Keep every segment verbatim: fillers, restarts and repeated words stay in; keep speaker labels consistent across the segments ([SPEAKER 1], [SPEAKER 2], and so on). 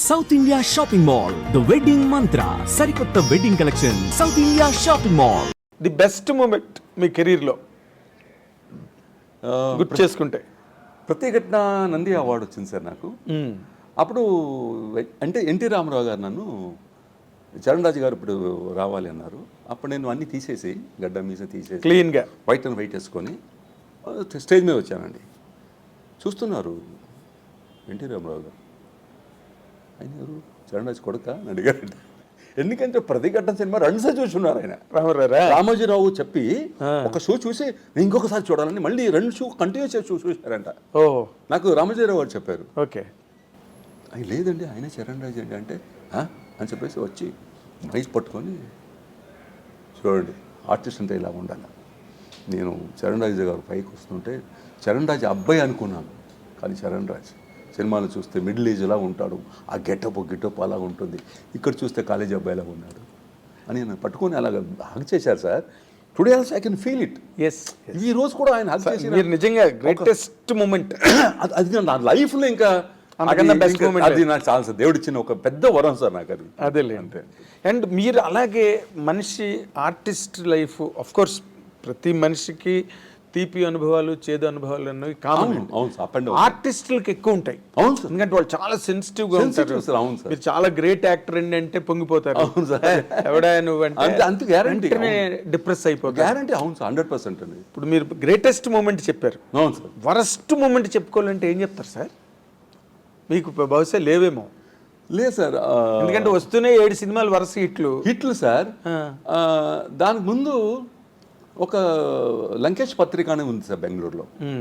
[SPEAKER 1] South India shopping mall the wedding Mantra సరికొత్త wedding collection south India shopping mall.
[SPEAKER 2] The best moment మీ కెరీర్లో గుర్తు చేసుకుంటే?
[SPEAKER 3] ప్రత్యేకట్న నంది అవార్డు వచ్చింది సార్ నాకు. అప్పుడు అంటే ఎన్టీ రామారావు గారు నన్ను చరణ్ రాజు గారు ఇప్పుడు రావాలి అన్నారు. అప్పుడు నేను అన్నీ తీసేసి గడ్డ మీస తీసేసి
[SPEAKER 2] క్లీన్గా
[SPEAKER 3] వైట్ అండ్ వైట్ వేసుకొని స్టేజ్ మీద వచ్చానండి. చూస్తున్నారు ఎన్టీ రామారావు గారు, ఆయన ఎవరు చరణ్ రాజు కొడుక అని అడిగారండి. ఎందుకంటే ప్రతిఘటన సినిమా రెండు సార్లు చూసున్నారు ఆయన. రామోజీరావు చెప్పి ఒక షో చూసి నేను ఇంకొకసారి చూడాలని మళ్ళీ రెండు షో కంటిన్యూస్ షో చూసారంట.
[SPEAKER 2] ఓ
[SPEAKER 3] నాకు రామోజీరావు గారు చెప్పారు.
[SPEAKER 2] ఓకే,
[SPEAKER 3] ఆయన లేదండి ఆయన చరణ్ రాజు అండి అంటే అని చెప్పేసి వచ్చి మైక్ పట్టుకొని చూడండి ఆర్టిస్ట్ అంటే ఇలా ఉండాలి. నేను చరణ్ రాజు గారు పైకి వస్తుంటే చరణ్ రాజు అబ్బాయి అనుకున్నాను, కానీ చరణ్ రాజు సినిమాలు చూస్తే మిడిల్ ఏజ్లా ఉంటాడు, ఆ గెటప్ గిటప్ అలా ఉంటుంది, ఇక్కడ చూస్తే కాలేజీ అబ్బాయిలా ఉన్నాడు అని నేను పట్టుకొని అలాగ హగ్ చేశారు sir. Today also I can feel it.
[SPEAKER 2] Yes,
[SPEAKER 3] ఈ రోజు కూడా ఆయన హగ్ చేసి
[SPEAKER 2] మీరు నిజంగా గ్రేటెస్ట్ మూమెంట్
[SPEAKER 3] అది నా లైఫ్లో. ఇంకా అది నాకు చాలా సార్ దేవుడు ఇచ్చిన ఒక పెద్ద వరం సార్ నాకు అది.
[SPEAKER 2] అదే అంతే. అండ్ మీరు అలాగే మనిషి ఆర్టిస్ట్ లైఫ్ ఆఫ్ కోర్స్ ప్రతి మనిషికి తీపి అనుభవాలు చేదు అనుభవాలు అన్నవి కామన్. ఆర్టిస్టులకు ఎక్కువ ఉంటాయి.
[SPEAKER 3] అవును సార్,
[SPEAKER 2] ఎందుకంటే వాళ్ళు చాలా సెన్సిటివ్ గా ఉంటారు.
[SPEAKER 3] అవును సార్,
[SPEAKER 2] మీరు చాలా గ్రేట్ యాక్టర్ అండి అంటే పొంగిపోతారు.
[SPEAKER 3] అవును సార్,
[SPEAKER 2] ఎవడా నువ్వు అంటే
[SPEAKER 3] అంత గ్యారంటీ
[SPEAKER 2] డిప్రెస్ అయిపోతారు.
[SPEAKER 3] గ్యారంటీ. అవును సార్, హండ్రెడ్ పర్సెంట్ అండి.
[SPEAKER 2] ఇప్పుడు మీరు గ్రేటెస్ట్ మూమెంట్ చెప్పారు.
[SPEAKER 3] అవును సార్,
[SPEAKER 2] వరస్ట్ మూమెంట్ చెప్పుకోవాలంటే ఏం చెప్తారు సార్? మీకు బహుశా లేవేమో.
[SPEAKER 3] లేదు సార్,
[SPEAKER 2] ఎందుకంటే వస్తూనే ఏడు సినిమాలు వరుస హిట్లు
[SPEAKER 3] హిట్లు సార్. దానికి ముందు ఒక లంకేష్ పత్రిక అని ఉంది సార్ బెంగళూరులో.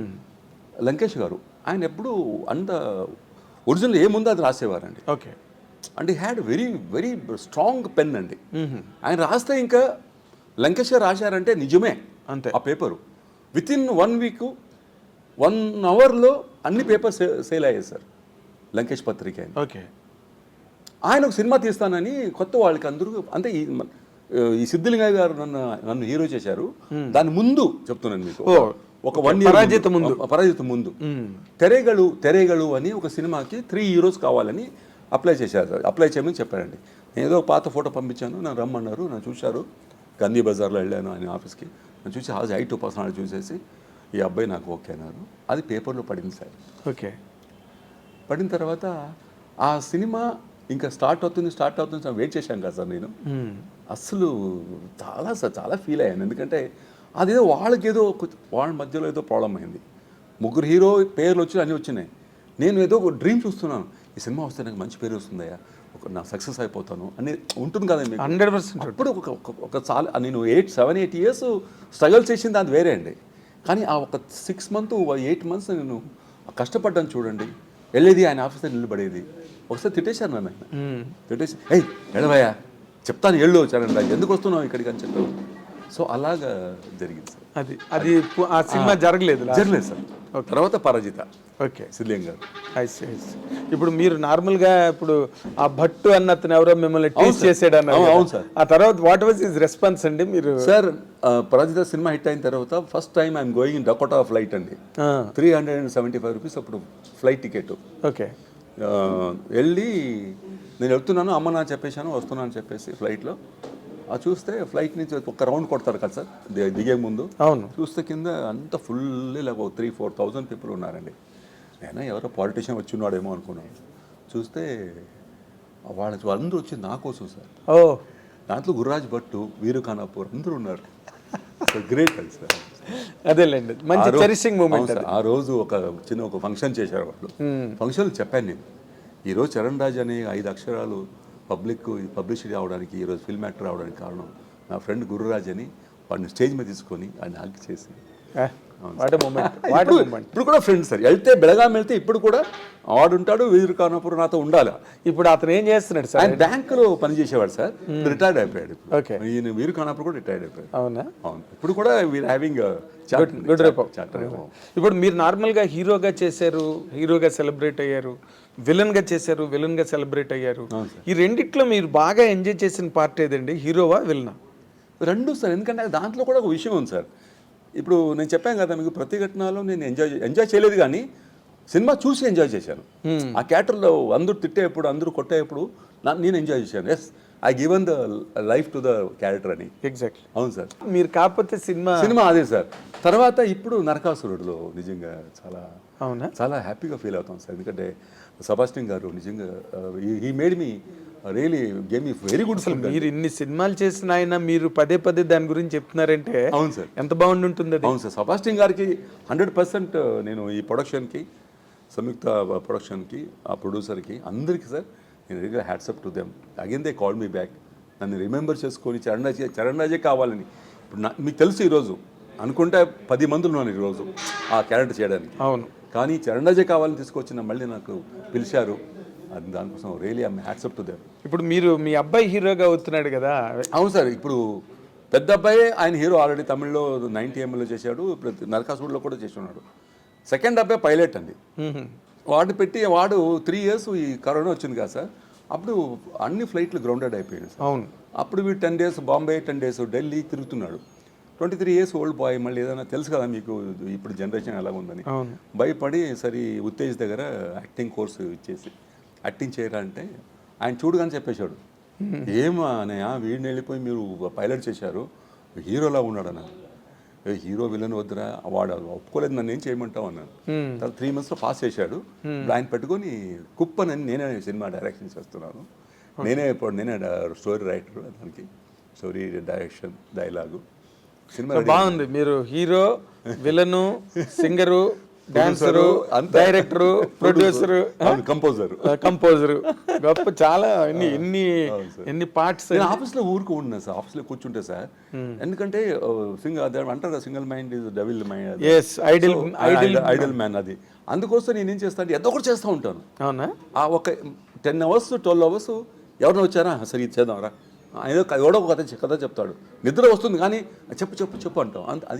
[SPEAKER 3] లంకేష్ గారు ఆయన ఎప్పుడు అంత ఒరిజినల్ ఏముందో అది రాసేవారండి.
[SPEAKER 2] ఓకే,
[SPEAKER 3] అంటే had very very strong pen అండి. ఆయన రాస్తే ఇంకా లంకేష్ గారు రాశారంటే నిజమే
[SPEAKER 2] అంతే.
[SPEAKER 3] ఆ paper with in one week one అవర్లో అన్ని పేపర్స్ సేల్ అయ్యాయి సార్ లంకేష్ పత్రిక.
[SPEAKER 2] ఓకే, ఆయన
[SPEAKER 3] ఒక సినిమా తీస్తానని కొత్త వాళ్ళకి అందరూ అంటే ఈ సిద్ధిలింగయ్య గారు నన్ను నన్ను హీరో చేశారు. దాని ముందు చెప్తున్నాను మీకు, ఒక వన్ ఇయర్
[SPEAKER 2] పరాజిత ముందు
[SPEAKER 3] పరాజిత ముందు తెరేగలు తెరేగలు అని ఒక సినిమాకి త్రీ హీరోస్ కావాలని అప్లై చేశారు సార్. అప్లై చేయమని చెప్పారండి. నేను ఏదో పాత ఫోటో పంపించాను, నన్ను రమ్మన్నారు, నన్ను చూశారు. గాంధీ బజార్లో వెళ్ళాను ఆయన ఆఫీస్కి. నన్ను చూసి హాజ్ ఐ టూ పర్సనాలిటీ చూసేసి ఈ అబ్బాయి నాకు ఓకే అన్నారు. అది పేపర్లో పడింది సార్.
[SPEAKER 2] ఓకే,
[SPEAKER 3] పడిన తర్వాత ఆ సినిమా ఇంకా స్టార్ట్ అవుతుంది స్టార్ట్ అవుతుంది సార్. వెయిట్ చేశాను కదా సార్ నేను. అసలు చాలా సార్ చాలా ఫీల్ అయ్యాను. ఎందుకంటే అదేదో వాళ్ళకి ఏదో వాళ్ళ మధ్యలో ఏదో ప్రాబ్లం అయింది. ముగ్గురు హీరో పేర్లు వచ్చి అన్నీ వచ్చినాయి. నేను ఏదో ఒక డ్రీమ్ చూస్తున్నాను, ఈ సినిమా వస్తే నాకు మంచి పేరు వస్తుందయ్యా, ఒక నా సక్సెస్ అయిపోతాను అని ఉంటుంది కదా మీకు.
[SPEAKER 2] Hundred percent.
[SPEAKER 3] అప్పుడు ఒక ఒక చాలా నేను eight seven eight years struggle చేసింది అది వేరే అండి. కానీ ఆ ఒక సిక్స్ మంత్ ఎయిట్ మంత్స్ నేను కష్టపడ్డాను చూడండి. వెళ్ళేది ఆయన ఆఫీసర్ నిలబడేది. ఒకసారి తిట్టేశాను నన్ను ఆయన. తిట్టేసి ఏయ్ ఎడవయ్యా చెప్తాను ఎళ్ళు చరణ్ రాజు ఎందుకు వస్తున్నావు ఇక్కడికి అని చెప్పావు. సో అలాగా జరిగింది సార్.
[SPEAKER 2] అది అది ఆ సినిమా జరగలేదు
[SPEAKER 3] జరగలేదు సార్. తర్వాత పరాజిత.
[SPEAKER 2] ఓకే,
[SPEAKER 3] సిద్ధిలింగ గారు.
[SPEAKER 2] ఇప్పుడు మీరు నార్మల్గా ఇప్పుడు ఆ భట్టు అన్న అతను ఎవరో మిమ్మల్ని టీచ్ చేసాడు అన్న.
[SPEAKER 3] అవును సార్.
[SPEAKER 2] ఆ తర్వాత వాట్ వాజ్ హిస్ రెస్పాన్స్ అండి? మీరు
[SPEAKER 3] సార్ పరాజిత సినిమా హిట్ అయిన తర్వాత first time I'm going in Dakota flight అండి. Three hundred and seventy five rupees అప్పుడు ఫ్లైట్ టికెట్.
[SPEAKER 2] ఓకే,
[SPEAKER 3] వెళ్ళి నేను వెళ్తున్నాను అమ్మ నా చెప్పేశాను వస్తున్నాను చెప్పేసి ఫ్లైట్లో ఆ చూస్తే ఫ్లైట్ నుంచి ఒక రౌండ్ కొడతారు కదా సార్ దిగే ముందు.
[SPEAKER 2] అవును,
[SPEAKER 3] చూస్తే కింద అంత ఫుల్ ఇలా త్రీ ఫోర్ థౌజండ్ పీపుల్ ఉన్నారండి. నేను ఎవరో పాలిటీషియన్ వచ్చి ఉన్నాడేమో అనుకున్నాను. చూస్తే వాళ్ళ వాళ్ళందరూ వచ్చి నా కోసం సార్.
[SPEAKER 2] ఓ
[SPEAKER 3] దాంట్లో గుర్రాజ్ భట్టు, వీరు ఖానాపూర్ అందరూ ఉన్నారు. గ్రేట్ అది సార్.
[SPEAKER 2] అదేలేండి, మంచి చెరిషింగ్ మూమెంట్.
[SPEAKER 3] ఆ రోజు ఒక చిన్న ఒక ఫంక్షన్ చేశారు వాళ్ళు. ఫంక్షన్ చెప్పాను నేను, ఈరోజు చరణ్ రాజ్ అనే ఐదు అక్షరాలు పబ్లిక్ పబ్లిసిటీ అవడానికి, ఈరోజు ఫిల్మ్ యాక్టర్ అవడానికి కారణం నా ఫ్రెండ్ గురురాజ్ అని. వాడిని స్టేజ్ మీద తీసుకొని ఆయన హగ్ చేసి ఇప్పుడు కూడా ఫ్రెండ్స్ సార్. వెళ్తే బెళగాం వెళ్తే ఇప్పుడు కూడా ఆడుంటాడు, వీరు కానప్పుడు నాతో ఉండాలి.
[SPEAKER 2] ఇప్పుడు అతను ఏం చేస్తున్నాడు సార్?
[SPEAKER 3] ఆయన బ్యాంకులో పనిచేసేవాడు సార్, రిటైర్డ్ అయిపోయాడు.
[SPEAKER 2] ఓకే,
[SPEAKER 3] ఈయన వీరు కానప్పుడు కూడా రిటైర్డ్ అయిపోయాడు.
[SPEAKER 2] అవునా?
[SPEAKER 3] అవును, ఇప్పుడు కూడా వీఆర్ హ్యావింగ్
[SPEAKER 2] గుడ్ రేపో. ఇప్పుడు మీరు నార్మల్గా హీరోగా చేశారు, హీరోగా సెలబ్రేట్ అయ్యారు, విలన్గా చేశారు, విలన్గా సెలబ్రేట్ అయ్యారు. ఈ రెండిట్లో మీరు బాగా ఎంజాయ్ చేసిన పార్ట్ ఏదండి, హీరోవా విలనా?
[SPEAKER 3] రెండు సార్. ఎందుకంటే దాంట్లో కూడా ఒక విషయం ఉంది సార్. ఇప్పుడు నేను చెప్పాను కదా మీకు ప్రతిఘటనలో నేను ఎంజాయ్ ఎంజాయ్ చేయలేదు, కానీ సినిమా చూసి ఎంజాయ్ చేశాను. ఆ క్యారెక్టర్లో అందరూ తిట్టేప్పుడు అందరూ కొట్టేప్పుడు నా- నేను ఎంజాయ్ చేశాను. Yes I given the life to the character అని.
[SPEAKER 2] ఎగ్జాక్ట్లీ.
[SPEAKER 3] అవును సార్.
[SPEAKER 2] మీరు కాకపోతే సినిమా
[SPEAKER 3] సినిమా అదే సార్. తర్వాత ఇప్పుడు నరకాసురుడులో నిజంగా చాలా
[SPEAKER 2] అవునా?
[SPEAKER 3] చాలా హ్యాపీగా ఫీల్ అవుతాం సార్. ఎందుకంటే సెబాస్టియన్ గారు నిజంగా he made me really game me very good film.
[SPEAKER 2] మీరు ఇన్ని సినిమాలు చేసిన ఆయన మీరు పదే పదే దాని గురించి చెప్తున్నారంటే
[SPEAKER 3] అవును సార్.
[SPEAKER 2] ఎంత బాగుంటుంది అది.
[SPEAKER 3] అవును సార్. సెబాస్టియన్ గారికి హండ్రెడ్ పర్సెంట్ నేను ఈ ప్రొడక్షన్కి, సంయుక్త ప్రొడక్షన్కి, ఆ ప్రొడ్యూసర్కి అందరికీ సార్ నేను రియల్గా hats off to them. Again they call me back. నన్ను రిమెంబర్ చేసుకొని చరణ్ రాజే చరణ్ రాజే కావాలని. ఇప్పుడు నా మీకు తెలుసు ఈరోజు అనుకుంటే పది మంది ఉన్నాను ఈరోజు ఆ క్యారెక్టర్ చేయడానికి.
[SPEAKER 2] అవును.
[SPEAKER 3] కానీ చరణ్ రాజే కావాలని తీసుకొచ్చిన మళ్ళీ నాకు పిలిచారు. అది దానికోసం really I'm hats off to them.
[SPEAKER 2] ఇప్పుడు మీరు మీ అబ్బాయి హీరోగా అవుతున్నాడు కదా.
[SPEAKER 3] అవును సార్. ఇప్పుడు పెద్ద అబ్బాయి ఆయన హీరో ఆల్రెడీ తమిళ్లో నైన్టీ ఎంఎల్లో చేశాడు, ఇప్పుడు నరకాసురుడులో కూడా చేసి ఉన్నాడు. సెకండ్ అబ్బాయి పైలట్ అండి. వాడు పెట్టి వాడు త్రీ ఇయర్స్ ఈ కరోనా వచ్చింది కదా సార్, అప్పుడు అన్ని ఫ్లైట్లు గ్రౌండెడ్ అయిపోయాయి సార్.
[SPEAKER 2] అవును.
[SPEAKER 3] అప్పుడు వీడు ten days Bombay, ten days Delhi తిరుగుతున్నాడు. Twenty three years old boy. మళ్ళీ ఏదైనా తెలుసు కదా మీకు ఇప్పుడు జనరేషన్ ఎలా ఉందని. భయపడి సరి ఉత్తేజ్ దగ్గర యాక్టింగ్ కోర్సు ఇచ్చేసి యాక్టింగ్ చేయరా అంటే ఆయన చూడగానే చెప్పేశాడు, ఏమా అన్నయ్య వీడిని వెళ్ళిపోయి మీరు పైలట్ చేశారు, హీరోలా ఉన్నాడు అన్న. హీరో విలన్ వద్దురా, వాడు ఒప్పుకోలేదు, నన్ను ఏం చేయమంటావు అన్నాను. తర్వాత త్రీ మంత్స్లో పాస్ చేశాడు. ఆయన పెట్టుకొని కుప్పనని నేనే సినిమా డైరెక్షన్ చేస్తున్నాను. నేనే ఇప్పుడు నేనే స్టోరీ రైటర్, దానికి స్టోరీ డైరెక్షన్ డైలాగు సినిమా
[SPEAKER 2] బాగుంది. మీరు hero, villain, singer, dancer, director, producer,
[SPEAKER 3] composer
[SPEAKER 2] composer, గొప్ప చాలా ఎన్ని ఎన్ని ఎన్ని పార్ట్స్.
[SPEAKER 3] నేను ఆఫీస్లో ఊరుకు ఉన్నా సార్. ఆఫీస్లో కూర్చుంటే సార్, ఎందుకంటే సింగల్ అంటారు single mind is double mind,
[SPEAKER 2] ideal ideal
[SPEAKER 3] ideal man. అది అందుకోసం నేను ఏం చేస్తాను అంటే ఏదో ఒకటి చేస్తూ ఉంటాను.
[SPEAKER 2] అవునా?
[SPEAKER 3] ఆ ఒక టెన్ అవర్స్ ట్వెల్వ్ అవర్స్ ఎవరిని వచ్చారా సరే ఇది చేద్దాంరా, ఏదో ఎవడో ఒక కథ కథ చెప్తాడు, నిద్ర వస్తుంది కానీ చెప్పు చెప్పు చెప్పు అంటాం. అంత అది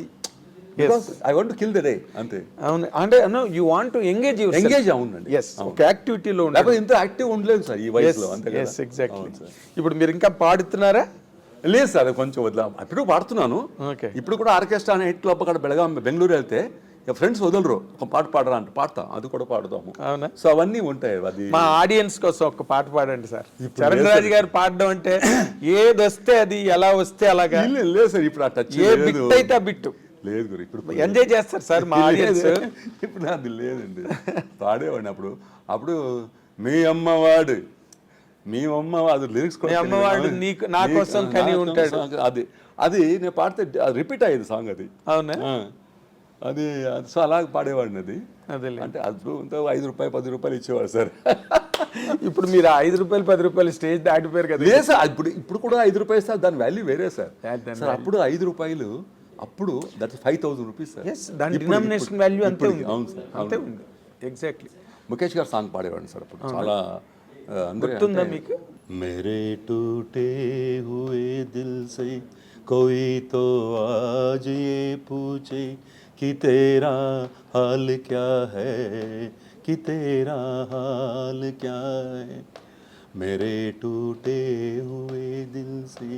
[SPEAKER 3] I want to kill the day అంతే.
[SPEAKER 2] అవును. అంటే you want to engage your
[SPEAKER 3] engage అవునండి.
[SPEAKER 2] yes ఒక యాక్టివిటీలో ఉండాలి.
[SPEAKER 3] లేకపోతే ఇంత యాక్టివ్ ఉండలేదు సార్ ఈ వయసులో. అంతే కదా.
[SPEAKER 2] yes exactly. ఇప్పుడు మీరు ఇంకా పాడుతున్నారా?
[SPEAKER 3] లేదు సార్, కొంచెం వదిలా. ఇప్పుడు పాడుతున్నాను.
[SPEAKER 2] ఓకే.
[SPEAKER 3] ఇప్పుడు కూడా ఆర్కెస్ట్రా అనే ఎయిట్ క్లబ్ అక్కడ బెళగాం బెంగళూరు వెళ్తే ఫ్రెండ్స్ వదలరు, ఒక పాట పాడరా అంటే పాడతా, అది కూడా పాడుతాము.
[SPEAKER 2] అవునా?
[SPEAKER 3] సో అవన్నీ ఉంటాయి. అది
[SPEAKER 2] మా ఆడియన్స్ కోసం ఒక పాట పాడండి సార్. చరణ్ రాజు గారు పాడడం అంటే ఏది వస్తే అది, ఎలా వస్తే అలాగా.
[SPEAKER 3] లేదు సార్, ఇప్పుడు ఆ టచ్
[SPEAKER 2] ఏ బిట్ అయితే ఆ బిట్టు
[SPEAKER 3] లేదు గురు. ఇప్పుడు
[SPEAKER 2] ఎంజాయ్ చేస్తారు సార్ మా ఆడియన్స్.
[SPEAKER 3] ఇప్పుడు అది లేదండి. పాడేవాడిని అప్పుడు. అప్పుడు మీ అమ్మవాడు మీ అమ్మ అది లిరిక్స్ కూడా
[SPEAKER 2] అమ్మవాడు నీకు నా కోసం కని ఉంటాడు.
[SPEAKER 3] అది అది నేను పాడితే రిపీట్ అయ్యేది సాంగ్ అది.
[SPEAKER 2] అవునా?
[SPEAKER 3] అది సో అలాగ పాడేవాడిని. అది
[SPEAKER 2] అదే
[SPEAKER 3] అంటే అది ఐదు రూపాయలు పది రూపాయలు ఇచ్చేవాడు సార్.
[SPEAKER 2] ఇప్పుడు మీరు ఐదు రూపాయలు పది రూపాయలు స్టేజ్ దాటిపోయారు కదా.
[SPEAKER 3] లేదు సార్, ఇప్పుడు ఇప్పుడు కూడా ఐదు రూపాయలు సార్, దాని వాల్యూ వేరే సార్. సార్ అప్పుడు ఐదు రూపాయలు, అప్పుడు that five thousand rupees sir.
[SPEAKER 2] దాని డినామినేషన్ వాల్యూ అంతే ఉంది.
[SPEAKER 3] అవును సార్,
[SPEAKER 2] అంతే ఉంది. ఎగ్జాక్ట్లీ.
[SPEAKER 3] ముఖేష్ గారు సాంగ్ పాడేవాడిని సార్ అప్పుడు. చాలా
[SPEAKER 2] గుర్తుందా మీకు?
[SPEAKER 3] मेरे टूटे हुए दिल से कोई तो आज ये पूछे कि तेरा हाल क्या है, कि तेरा हाल क्या है, मेरे टूटे हुए दिल से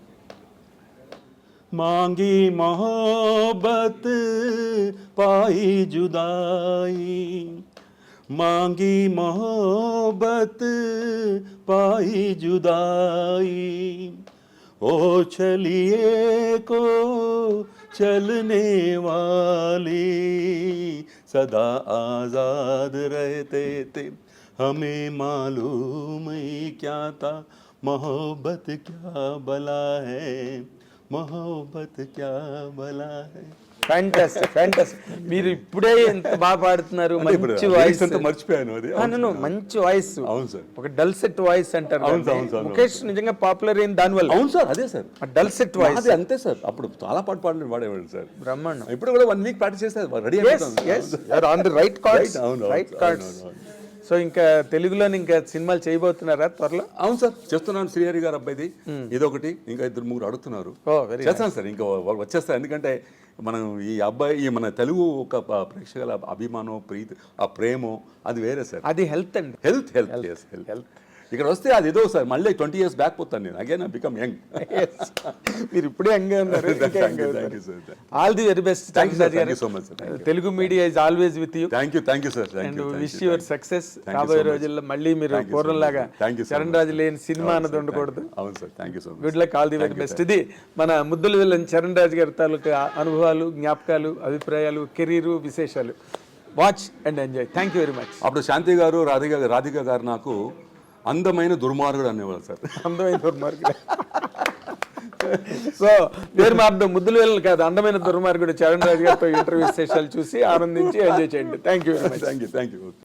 [SPEAKER 3] मांगी मोहब्बत पाई जुदाई, मांगी मोहब्बत पाई जुदाई, ओ चलिए को चलने वाली सदा आज़ाद रहते थे, हमें मालूम ही क्या था मोहब्बत क्या भला है, मोहब्बत क्या भला है.
[SPEAKER 2] Fantastic fantastic. మీరు ఇప్పుడే ఎంత బాగా పాడుతున్నారు. మంచి వాయిస్.
[SPEAKER 3] మర్చిపోయాను అది.
[SPEAKER 2] మంచి వాయిస్.
[SPEAKER 3] అవును సార్.
[SPEAKER 2] ఒక డల్సెట్ వాయిస్ అంటారు. ముఖేష్ నిజంగా పాపులర్ అయింది దానివల్ల.
[SPEAKER 3] అవును సార్, అదే సార్
[SPEAKER 2] డల్సెట్ వాయిస్.
[SPEAKER 3] అదే అంతే సార్. అప్పుడు చాలా పాట పాడలేదు వాడేవాడు సార్.
[SPEAKER 2] బ్రహ్మాండం.
[SPEAKER 3] ఇప్పుడు కూడా వన్ వీక్ ప్రాక్టీస్ చేస్తే ready
[SPEAKER 2] on the right cards. Right cards. So ఇంకా తెలుగులో ఇంకా సినిమాలు చేయబోతున్నారా త్వరలో? అవును సార్,
[SPEAKER 3] చేస్తున్నాను. శ్రీహరి గారు అబ్బాయిది ఇదొకటి, ఇంకా ఇద్దరు ముగ్గురు అడుగుతున్నారు. చేస్తాను సార్, ఇంకా వచ్చేస్తారు. ఎందుకంటే మనం ఈ అబ్బాయి ఈ మన తెలుగు ఒక ప్రేక్షకుల అభిమానం, ప్రీతి, ఆ ప్రేమ అది వేరే సార్.
[SPEAKER 2] అది హెల్త్ అండి.
[SPEAKER 3] హెల్త్ హెల్త్ హెల్త్
[SPEAKER 2] హెల్త్
[SPEAKER 3] ఇక్కడ వస్తే అది ఏదో సార్ మళ్ళీ ట్వంటీ ఇయర్స్ బ్యాక్ పోతాను నేను అగైన్ ఐ బికమ్ యంగ్.
[SPEAKER 2] మీరు ఇప్పుడే యంగ్గా ఉన్నారు.
[SPEAKER 3] Thank you thank you sir.
[SPEAKER 2] All the very best.
[SPEAKER 3] Thank you, sir. Thank you so much, sir. Thank you.
[SPEAKER 2] Telugu media is always with you
[SPEAKER 3] thank you thank you sir. Thank
[SPEAKER 2] and
[SPEAKER 3] you
[SPEAKER 2] wish your success.
[SPEAKER 3] Thank you
[SPEAKER 2] రాబోయే
[SPEAKER 3] so much.
[SPEAKER 2] రోజుల్లో మళ్ళీ మీరు
[SPEAKER 3] Thank you so
[SPEAKER 2] పూర్వంలాగా
[SPEAKER 3] much. Thank you so
[SPEAKER 2] Charan
[SPEAKER 3] much.
[SPEAKER 2] రాజు లేని cinema అన్నది ఉండకూడదు.
[SPEAKER 3] అవును sir. Thank you so much.
[SPEAKER 2] Good luck, all the very best. ఇది మన ముద్దుల విలన్ చరణ్ రాజు గారి తాలూకా అనుభవాలు, జ్ఞాపకాలు, అభిప్రాయాలు, కెరీరు, విశేషాలు. Watch and enjoy. Thank you very much.
[SPEAKER 3] అప్పుడు శాంతి గారు రాధిక రాధిక గారు నాకు అందమైన దుర్మార్గుడు అనేవాళ్ళు సార్.
[SPEAKER 2] అందమైన దుర్మార్గుడు. సో పేరు మార్గం ముద్దుల విలన్ కాదు, అందమైన దుర్మార్గుడు చరణ్ రాజు గారితో ఇంటర్వ్యూ విశేషాలు చూసి ఆనందించి ఎంజాయ్ చేయండి. Thank you very much.
[SPEAKER 3] Thank you thank you.